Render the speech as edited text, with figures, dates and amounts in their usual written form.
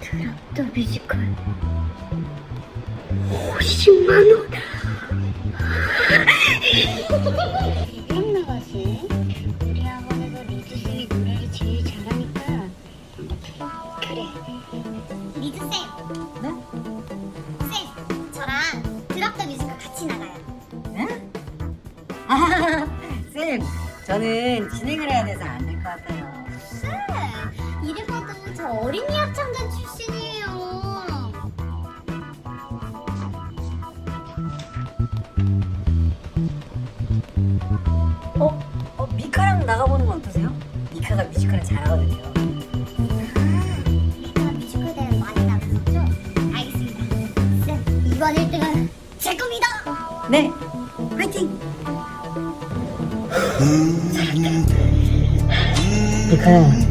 트럭더 뮤지컬 50만원. 대박 나가시. 우리 학원에서 리즈쌤이 노래를 제일 잘하니까. 그래, 리즈쌤. 네? 쌤, 저랑 트럭더 뮤지컬 같이 나가요. 네? 아, 쌤, 저는 진행을 해야 돼서 안 될 것 같아요. 쌤, 이래 봐도 저 어린이 합창단 출신이에요. 미카랑 나가보는 건 어떠세요? 미카가 뮤지컬을 잘하거든요. 미카 뮤지컬 대회 많이 나갔었죠? 알겠습니다. 쌤, 이번 1등은 제 겁니다. 네, 화이팅! 미카야,